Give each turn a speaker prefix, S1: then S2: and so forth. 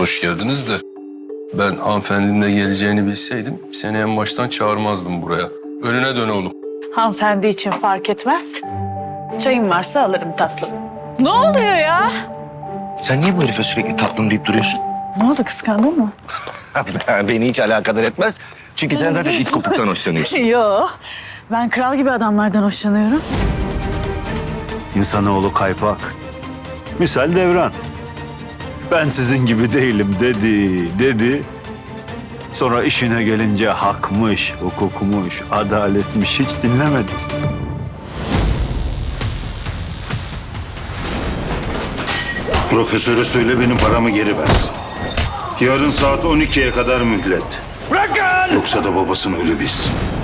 S1: Hoş geldiniz de ben hanımefendinin de geleceğini bilseydim seni en baştan çağırmazdım buraya. Önüne dön oğlum.
S2: Hanımefendi için fark etmez. Çayın varsa alırım tatlım. Ne oluyor ya?
S3: Sen niye bu herife sürekli tatlım deyip duruyorsun?
S2: Ne oldu, kıskandın mı?
S3: Beni hiç alakadar etmez. Çünkü sen zaten it kopuktan hoşlanıyorsun.
S2: Yo. Ben kral gibi adamlardan hoşlanıyorum.
S4: İnsanoğlu kaypak. Misal Devran. Ben sizin gibi değilim dedi. Sonra işine gelince hakmış, hukukmuş, adaletmiş hiç dinlemedi.
S5: Profesöre söyle benim paramı geri versin. Yarın saat 12'ye kadar mühlet.
S4: Bırakın!
S5: Yoksa da babasını ölü bilsin.